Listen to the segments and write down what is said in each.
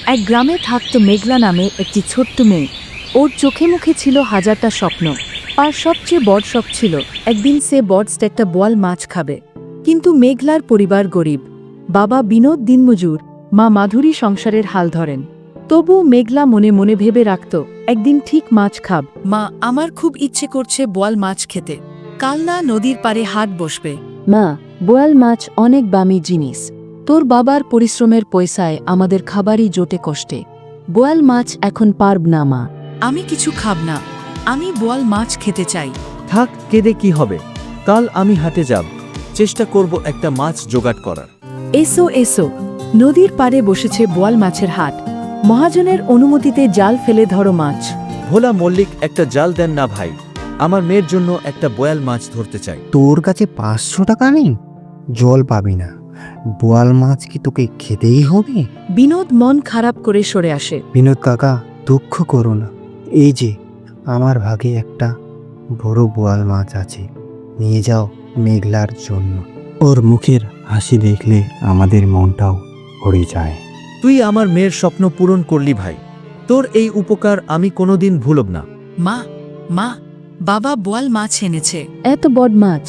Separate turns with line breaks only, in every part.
এক গ্রামে থাকত মেঘলা নামে একটি ছোট্ট মেয়ে। ওর চোখে মুখে ছিল হাজারটা স্বপ্ন, আর সবচেয়ে বড় শখ ছিল একদিন সে বড়স্ট একটা বোয়াল মাছ খাবে। কিন্তু মেঘলার পরিবার গরিব, বাবা বিনোদ দিনমজুর, মা মাধুরী সংসারের হাল ধরেন। তবু মেঘলা মনে মনে ভেবে রাখত, একদিন ঠিক মাছ খাব। মা, আমার খুব ইচ্ছে করছে বোয়াল মাছ খেতে। কাল না নদীর পাড়ে হাট বসবে। মা, বোয়াল মাছ অনেক দামি জিনিস। তোর বাবার পরিশ্রমের পয়সায় আমাদের খাবারই জোটে কষ্টে। বোয়াল মাছ এখন পারব না মা। আমি কিছু খাব না, আমি বোয়াল মাছ খেতে চাই।
থাক, কেঁদে কি হবে? কাল আমি হাটে যাব, চেষ্টা করব একটা মাছ জোগাড় করার।
এসো এসো, নদীর পাড়ে বসেছে বোয়াল মাছের হাট। মহাজনের অনুমতিতে জাল ফেলে ধরো মাছ।
ভোলা মল্লিক, একটা জাল দেন না ভাই, আমার মেয়ের জন্য একটা বোয়াল মাছ ধরতে চাই।
তোর কাছে 500 টাকা নেই? জল পাবি না। বোয়াল মাছ কি তোকে খেতেই হবে?
বিনোদ মন খারাপ করে সরে আসে।
বিনোদ কাকা, দুঃখ করো না। এই যে আমার ভাগে একটা বড় বোয়াল মাছ আছে, নিয়ে যাও মেঘলার জন্য। ওর মুখের হাসি দেখলে আমাদের মনটাও ভরে যায়।
তুই আমার মেয়ের স্বপ্ন পূরণ করলি ভাই, তোর এই উপকার আমি কোনোদিন ভুলব না।
মা, মা, বাবা বোয়াল মাছ এনেছে। এত বড় মাছ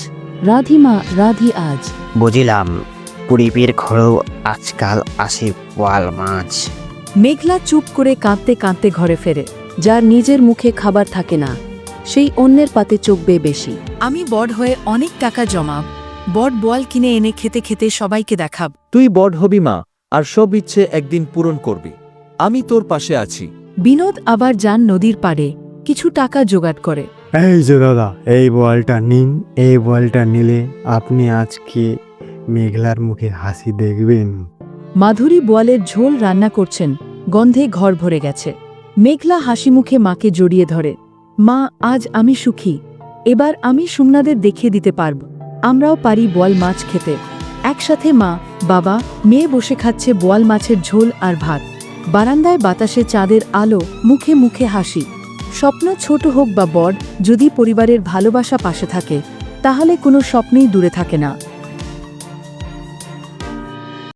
রাধি আজ।
বুঝিলাম, গরিবের ঘরেও আজকাল আসে বোয়াল মাছ।
মেঘলা চুপ করে কাঁদতে কাঁদতে ঘরে ফেরে। যার নিজের মুখে খাবার থাকে না, সেই অন্যের পাতে চোখ বেয়ে বেশি। আমি বড় হয়ে অনেক টাকা জমাব, বড় বোয়াল কিনে এনে খেতে খেতে সবাইকে দেখাব।
তুই বড় হবি মা, আর সব ইচ্ছে একদিন পূরণ করবি। আমি তোর পাশে আছি।
বিনোদ আবার যান নদীর পাড়ে, কিছু টাকা জোগাড় করে।
এই যে দাদা, এই বোয়ালটা নিন। এই বোয়ালটা নিলে আপনি আজকে মেঘলার মুখে হাসি দেখবেন।
মাধুরী বোয়ালের ঝোল রান্না করছেন, গন্ধে ঘর ভরে গেছে। মেঘলা হাসি মুখে মাকে জড়িয়ে ধরে। মা, আজ আমি সুখী। এবার আমি সুমনাদের দেখিয়ে দিতে পারব আমরাও পারি বোয়াল মাছ খেতে। একসাথে মা, বাবা, মেয়ে বসে খাচ্ছে বোয়াল মাছের ঝোল আর ভাত। বারান্দায় বাতাসে চাঁদের আলো, মুখে মুখে হাসি। স্বপ্ন ছোট হোক বা বড়, যদি পরিবারের ভালোবাসা পাশে থাকে, তাহলে কোনো স্বপ্নই দূরে থাকে না।